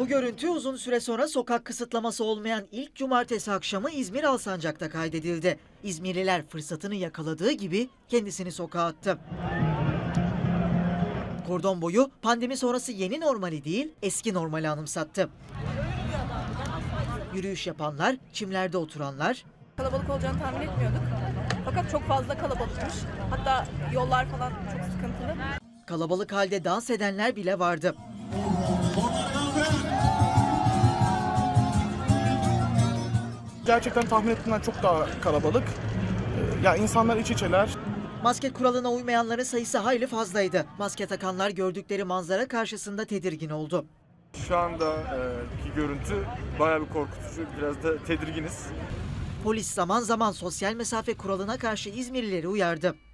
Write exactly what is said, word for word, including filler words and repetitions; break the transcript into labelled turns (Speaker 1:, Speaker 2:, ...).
Speaker 1: Bu görüntü uzun süre sonra sokak kısıtlaması olmayan ilk cumartesi akşamı İzmir Alsancak'ta kaydedildi. İzmirliler fırsatını yakaladığı gibi kendisini sokağa attı. Kordon boyu pandemi sonrası yeni normali değil, eski normali anımsattı. Yürüyüş yapanlar, çimlerde oturanlar,
Speaker 2: Kalabalık olacağını tahmin etmiyorduk. Fakat çok fazla kalabalıkmış. Hatta yollar falan çok sıkıntılı.
Speaker 1: kalabalık halde dans edenler bile vardı.
Speaker 3: Gerçekten tahmin ettiğimden çok daha kalabalık. Ee, Ya insanlar iç içeler.
Speaker 1: Maske kuralına uymayanların sayısı hayli fazlaydı. Maske takanlar gördükleri manzara karşısında tedirgin oldu.
Speaker 4: Şu andaki görüntü bayağı bir korkutucu, biraz da tedirginiz.
Speaker 1: Polis zaman zaman sosyal mesafe kuralına karşı İzmirlileri uyardı.